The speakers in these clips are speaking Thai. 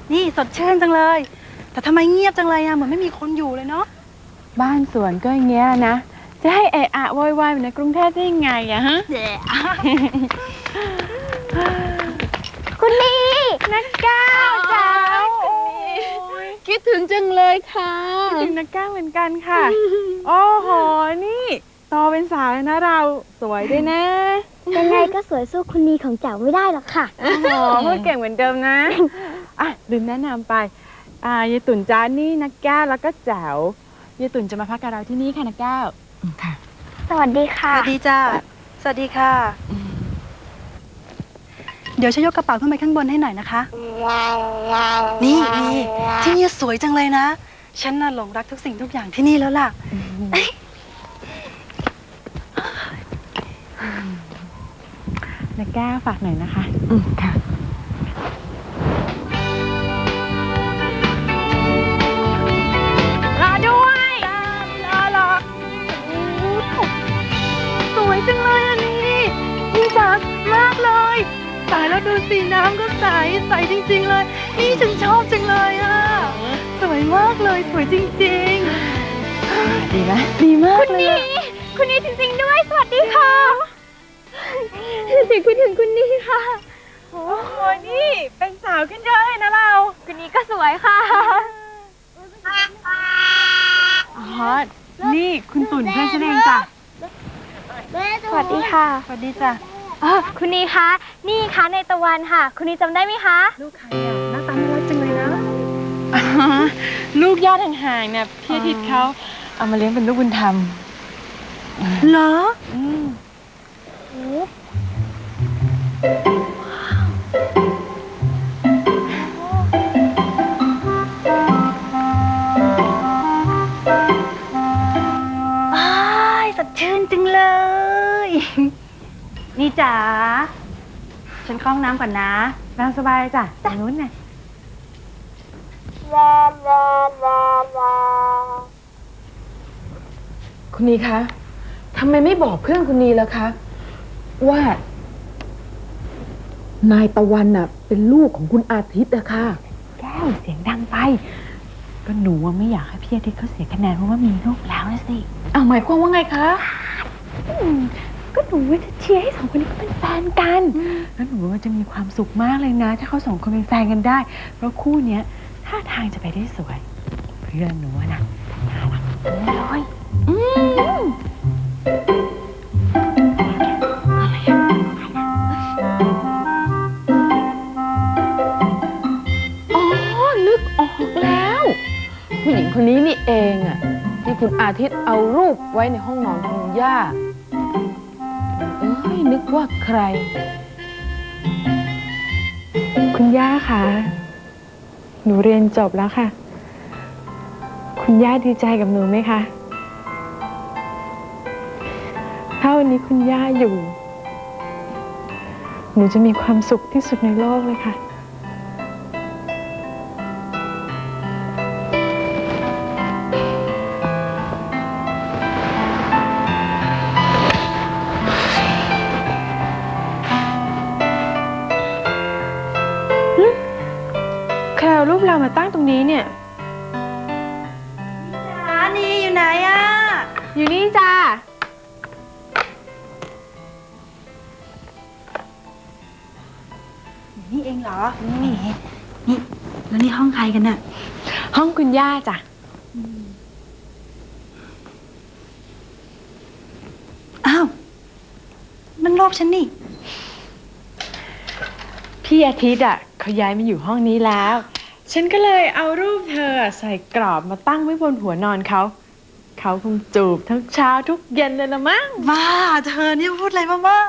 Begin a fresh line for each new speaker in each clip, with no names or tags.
นี่สดชื่นจังเลยแต่ทำไมเงียบจังเลยอะเหมือนไม่มีคนอยู่เลยเนาะ
บ้านสวนก็อย่างเงี้ยนะจะให้เอะอะโวยวายอยู่ในกรุงเทพได้ยังไงอะฮะคุณลีนักก้าวจ้าคิดถึงจังเลยค่ะคิดถึงนักก้าวเหมือนกันค่ะโอ้โหนี่โตเป็นสาวแล้วนะเราสวยด้วยนะ
ยังไงก็สวยสู้คุณลีของแจ๋วไม่ได้หรอกค่ะ
โอ้โหพูดเก่งเหมือนเดิมนะอ่ะลืมแนะนำไปยายตุ่นจ้านี่นักก้าวแล้วก็แจ๋วยายตุ่นจะมาพักกับเราที่นี่ค่ะนักก้าวค่ะ
สวัสดี
ส
ค่ะ
วัสดีจ้าสวัสดีค่ะเดี๋ยวฉันยกกระเป๋าขึ้นไปข้างบนให้หน่อยนะคะนี่ที่นี่สวยจังเลยนะฉันน่ะหลงรักทุกสิ่งทุกอย่างที่นี่แล้วล่ะ
นักก้าวฝากหน่อยนะคะค่ะรอด้วยรอ
สวยจังเลยอันนี้นี่จ๋ามากเลยตายแล้วดูสีน้ำก็ใสจริงๆเลยนี่ฉันชอบจังเลยอะสวยมากเลยสวยจริงๆ
ดีไหมดีมากเลย
คุณลีจริงๆด้วยสวัสดีค่ะถึงคุณลีค่ะ
โอ้โหนี่เป็นสาวขึ้นเยอะเลยนะเรา
คุณลีก็สวยค่ะ
อ๋อนี่คุณตุ่นเพื่อนฉันเองจ้ะ
สวัสดีค่ะ
สวัสดีจ้ะ
คุณลีคะนี่คะในตะวันค่ะคุณลีจำได้ไหมคะ
ลูกใครอ่ะหน้าตาน่ารักจังเลยนะ
ลูกญาติห่างๆเนี่ยพี่อาทิตย์เขาเอามาเลี้ยงเป็นลูกบุญธรรม
เหรอสดชื่นจังเลยนี่จ๋าฉันเข้าห้องน้ำก่อนนะ
นั่งสบายจ้ะตรงนู้นไง
คุณนีคะทำไมไม่บอกเพื่อนคุณนีล่ะคะว่า นายตะวันน่ะเป็นลูกของคุณอาทิตย์อะค่ะ
แก้วเสียงดังไปก็หนูว่าไม่อยากให้พี่อาทิตย์เขาเสียคะแนนเพราะว่ามีลูกแล้วนะสิ
หมายความว่าไงคะ
ก็หนูว่าจะเชียร์ให้สองคนนี้เขาเป็นแฟนกันแล้วหนูว่าจะมีความสุขมากเลยนะถ้าเขาสองคนเป็นแฟนกันได้เพราะคู่เนี้ยท่าทางจะไปได้สวยเพื่อนหนูนะน่ารักเลย
นึกออกแล้วผู้หญิงคนนี้นี่เองอะที่คุณอาทิตย์เอารูปไว้ในห้องนอนคุณย่านึกว่าใคร
คุณย่าคะหนูเรียนจบแล้วค่ะคุณย่าดีใจกับหนูไหมคะถ้าวันนี้คุณย่าอยู่หนูจะมีความสุขที่สุดในโลกเลยค่ะใครเอารูปเรามาตั้งตรงนี้เนี่ย
นี่อยู่ไหนอะ
อยู่นี่จ้า
นี่เองเหรอนี่แล้วนี่ห้องใครกันน่ะ
ห้องคุณย่าจ้ะ
อ้าวนั่นรูปฉันนี่
พี่อาทิตย์เขาย้ายมาอยู่ห้องนี้แล้วฉันก็เลยเอารูปเธอใส่กรอบมาตั้งไว้บนหัวนอนเขาคงจูบทั้งเช้าทุกเย็นเลยละมั้ง
บ้าเธอนี่พูดอะไรบ้าว้าว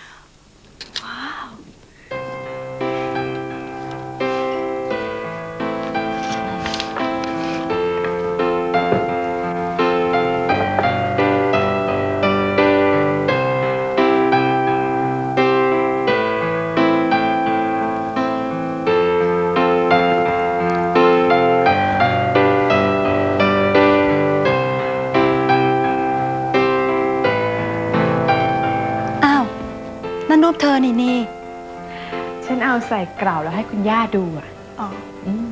นั่นรูปเธอนี่
ฉันเอาใส่กรอบแล้วให้คุณย่าดู
อ๋อ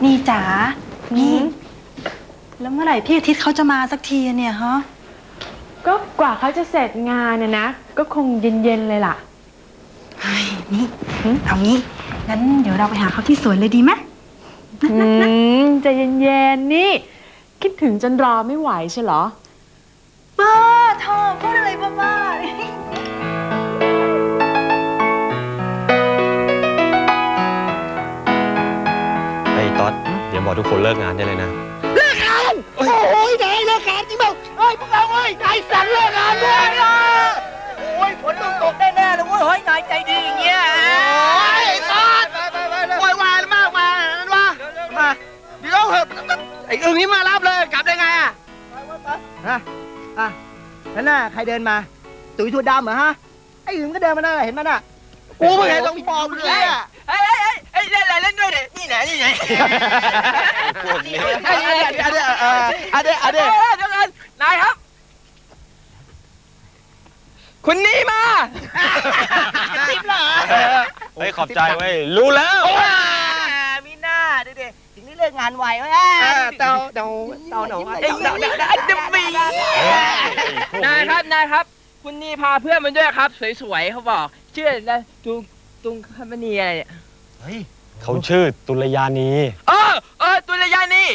นี่จ๋านี่ แล้วเมื่อไหร่พี่อาทิตย์เขาจะมาสักทีเนี่ยฮะ
ก็กว่าเขาจะเสร็จงานนะ ก็คงเย็นๆเลยล่ะ
เฮ้ยนี่เอางี้งั้นเดี๋ยวเราไปหาเขาที่สวนเลยดีไหม
ใจเย็นๆนี่ คิดถึงจนรอไม่ไหวใช่เหรอ
บ้าเธอพูดอะไรบ้าๆ
ไอ้ต๊อดเดี๋ยวบอกทุกคนเลิกงานได้เลยนะ
โอ้ยนายเลิกงานจริงเปล่าเฮ้ยพวกเราเฮ้ยนายสั่งเลิกงานด้วยนะโอ้ยฝนต้องตกแน่ๆเลยเว้ยเฮ้ยนายใจดีอย่างเงี้ยโอ้ยตอดโวยวายมากมานั่นวะมาเดี๋ยวเหอะไอ้อึ่งนี่มารับเลยกลับได้ไงอ่ะฮะนั่นน่ะใครเดินมาตุ๋ยถั่วดำเหรอฮะไอ้อึ่งก็เดินมาน่ะเห็นมันอ่ะกูไม่เห็นต้องบอกเลยอ่ะเฮ้ยเล่นอะไรเล่นด้วยดินี่ไหนพวกนี้อันนี้เดี๋ยวนายครับคุณนี่มาทิปเหรอ
เฮ้ยขอบใจเว้ยรู้แล้ว
มีหน้าดูดิถึงได้เลิกงานไวเว้ยเต่าหนู
นายครับ คุณนี่พาเพื่อนมาด้วยครับ สวยๆเขาบอกชื่ออะไรตุงคำณีอะไรเนี่ย
เขาชื่อตุลยานี
ตุลยานี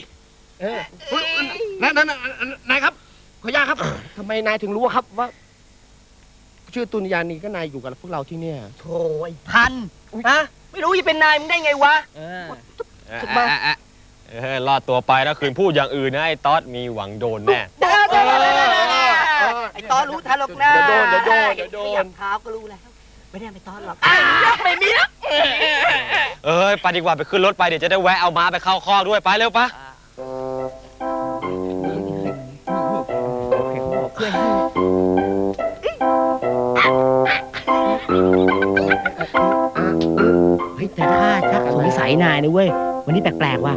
นายครับขออนุญาตครับทำไมนายถึงรู้ครับว่าชื่อตุลยานีก็นายอยู่กับพวกเราที่เนี่ยโธ่ไอ้พันฮะไม่รู้จะเป็นนายมึงได้ไงวะ
รอดตัวไปแล้วคืนพูดอย่างอื่นนะไอ้ต๊อดมีหวังโดนแน่
ไอ้ตอนรู้ทันหรอกนะเดี๋ยวโดนขยับเท้าก็รู้แล้วไม่ได้ไปตอนหรอกไม่มีนะ
ไปดีกว่าไปขึ้นรถไปเดี๋ยวจะได้แวะเอาม้าไปเข้าคอกด้วยไปเร็วปะ
เฮ้ยแต่ถ้าชักสงสัยนายนะเว้ยวันนี้แปลกๆว่ะ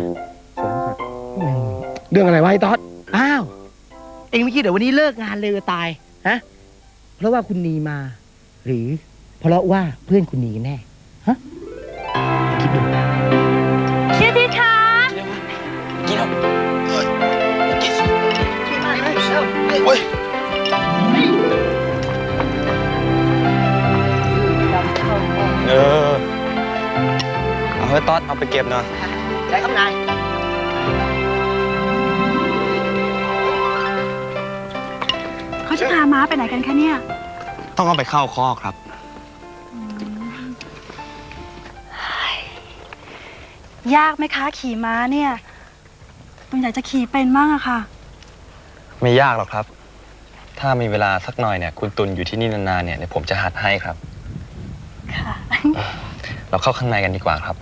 เรื่องอะไรวะไอ้ต๊อดอ้าวเอ็งไม่คิดเดี๋ยววันนี้เลิกงานเร็วตายฮะเพราะว่าคุณนีมา หรือเพราะว่าเพื่อนคุณนีแน่ฮะคิดดู
ชื่อที่คะ
เอาให้ต๊อดเอาไปเก็บหน่อย
ใช่ครับนาย
เขาจะพาม้าไปไหนกันคะเนี่ย
ต้องเอาไปเข้าคอกครับ
ยากไหมคะขี่ม้าเนี่ยตุนอยากจะขี่เป็นมากอะค่ะ
ไม่ยากหรอกครับ ถ้ามีเวลาสักหน่อยเนี่ยคุณตุลอยู่ที่นี่นานๆเนี่ยเดี๋ยวผมจะหัดให้ครับ
ค่ะ
เราเข้าข้างในกันดีกว่าครับ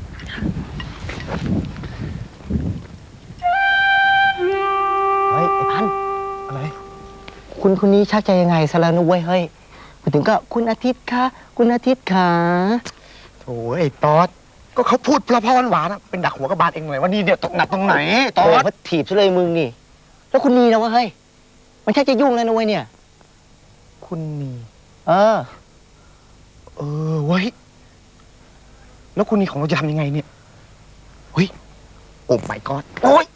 เฮ้ยไอ้พันอะไรคุณนี้ชักใจยังไงซะแล้วนุ้ยเฮ้ยมาถึงก็คุณอาทิตย์คะคุณอาทิตย์ขาโถ่ไอ้ตอดก็เขาพูดเพราะหวานๆเป็นดักหัวกระบาลเองหน่อยว่านี่เดี๋ยวตกหนักตรงไหนตอดเขาถีบซะเลยมึงนี่แล้วคุณนีนะวะเฮ้ยมันชักจะยุ่งแล้วนะเว้ยเนี่ยคุณนีเว้ยแล้วคุณนีของเราจะทำยังไงเนี่ยเฮ้ยโอ้ my god โอ้ย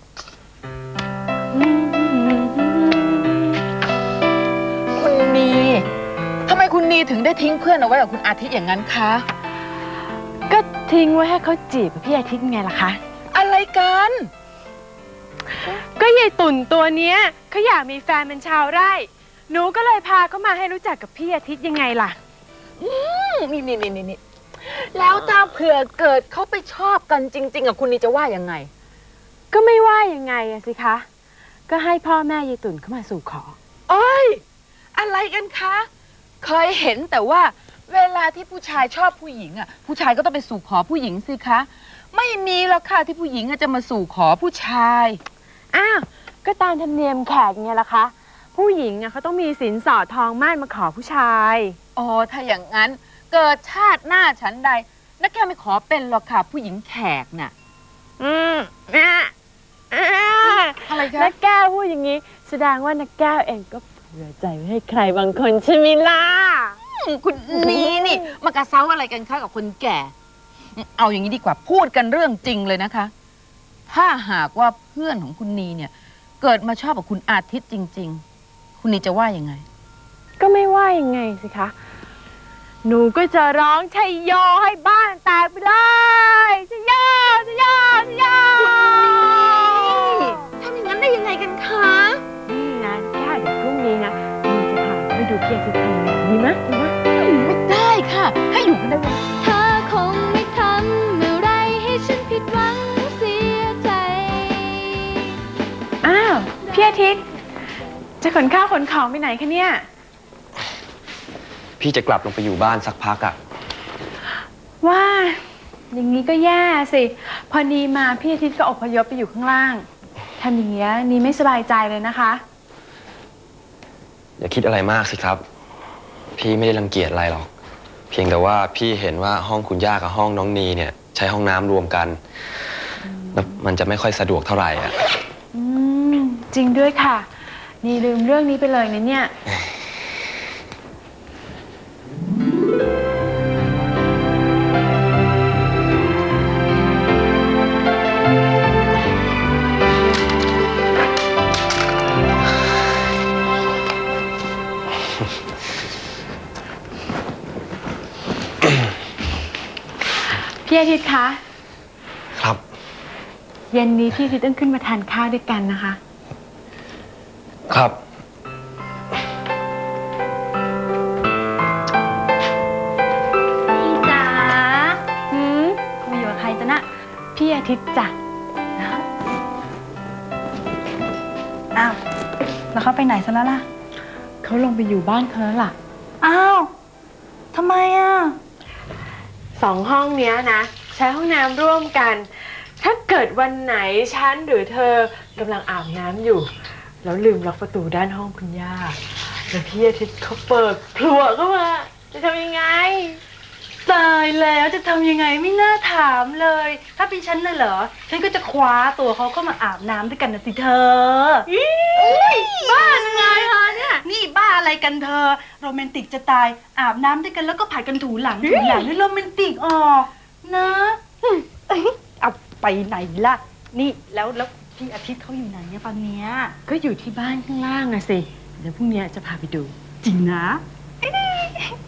คุณนีทำไมคุณนีถึงได้ทิ้งเพื่อนเอาไว้กับคุณอาทิตย์อย่างนั้นคะ
ก็ทิ้งไว้ให้เขาจีบพี่อาทิตย์ไงล่ะคะ
อะไรกัน
ก็ยายตุ่นตัวเนี้ยเขาอยากมีแฟนเป็นชาวไร่ หนูก็เลยพาเขามาให้รู้จักกับพี่อาทิตย์ยังไงล่ะ
นี่แล้วถ้าเผื่อเกิดเขาไปชอบกันจริงๆกับคุณนีจะว่ายังไง
ก็ไม่ว่ายังไงอะสิคะ ก็ให้พ่อแม่ยายตุ่นเข้ามาสู่ขอ
โอ้ยอะไรกันคะ เคยเห็นแต่ว่าเวลาที่ผู้ชายชอบผู้หญิงอ่ะผู้ชายก็ต้องไปสู่ขอผู้หญิงสิคะ ไม่มีหรอกค่ะที่ผู้หญิงจะมาสู่ขอผู้ชาย
อ้าว ก็ตามธรรมเนียมแขกไงล่ะคะ ผู้หญิงอะเขาต้องมีสินสอดทองมั่นมาขอผู้ชาย
อ๋อถ้าอย่างนั้นเกิดชาติหน้าฉันใดนักแก้วไม่ขอเป็นหรอกค่ะผู้หญิงแขกน่ะ อะไรคะ
นักแก้วพูดอย่างนี้ แสดงว่านักแก้วเองก็เผื่อใจไว้ให้ใครบางคนใช่ไหมล่ะ
คุณนี่มากระเซ้าอะไรกันคะกับคนแก่ เอาอย่างนี้ดีกว่าพูดกันเรื่องจริงเลยนะคะถ้าหากว่าเพื่อนของคุณนีเนี่ย เกิดมาชอบกับคุณอาทิตย์จริง ๆ คุณนีจะว่ายังไง
ก็ไม่ว่ายังไงสิคะ หนูก็จะร้องชัยโยให้บ้านแตกไปเลยชัยโยชัยโยชัยโย
ทำอย่างนั้นได้ยังไงกันคะ
นี่นะแค่เดี๋ยวพรุ่งนี้นะหนูจะพาไปดูพี่อาทิตย์ทำงานดีไหมดีไหม
ไม่ได้ค่ะ ให้อยู่กันได้วัน
เธอคงไม่ทำอะไรให้ฉันผิดหวังเสียใจ
อ้าวพี่อาทิตย์จะขนข้าวขนของไปไหนคะเนี่ย
พี่จะกลับลงไปอยู่บ้านสักพักอ่ะ
ว่าอย่างนี้ก็แย่สิ พอนีมาพี่อาทิตย์ก็อพยพไปอยู่ข้างล่างทำอย่างเงี้ยนีไม่สบายใจเลยนะคะ
อย่าคิดอะไรมากสิครับ พี่ไม่ได้รังเกียจอะไรหรอก เพียงแต่ว่าพี่เห็นว่าห้องคุณย่ากับห้องน้องนีเนี่ย ใช้ห้องน้ำรวมกันแล้วมันจะไม่ค่อยสะดวกเท่าไหร่อ่ะ
อืมจริงด้วยค่ะ นีลืมเรื่องนี้ไปเลยนะเนี่ย พี่อาทิตย์คะ
ครับ
เย็นนี้พี่อาทิตย์ต้องขึ้นมาทานข้าวด้วยกันนะคะ
ครับ
พี่จ๋า
หืม
คุยอยู่กับใครจ๊ะน่ะ
พี่อาทิตย์จ้ะ
อ้าว แล้วเขาไปไหนซะแล้วล่ะ
เขาลงไปอยู่บ้านเขาแล้วล่ะ
อ้าวทำไมอ่ะ
2 ห้องเนี้ยนะ ใช้ห้องน้ำร่วมกัน ถ้าเกิดวันไหนฉันหรือเธอกำลังอาบน้ำอยู่ แล้วลืมล็อกประตูด้านห้องคุณย่า แล้วพี่อาทิตย์เขาเปิดพลัวเข้ามา จะทำยังไง
ตายแล้วจะทำยังไงไม่น่าถามเลย ถ้าเป็นฉันน่ะเหรอ ฉันก็จะคว้าตัวเขาก็มาอาบน้ำด้วยกันนะสิเธอบ้ายังไงคะเนี่ย นี่บ้าอะไรกันเธอ โรแมนติกจะตาย อาบน้ำด้วยกันแล้วก็ผัดกันถูหลังถูหลังให้โรแมนติกออกนะเอาไปไหนล่ะ นี่แล้วพี่อาทิตย์เขาอยู่ไหนเนี่ยตอนเนี้ย
ก็อยู่ที่บ้านข้างล่างอะสิ เดี๋ยวพรุ่งนี้จะพาไปดู
จริงนะ
อ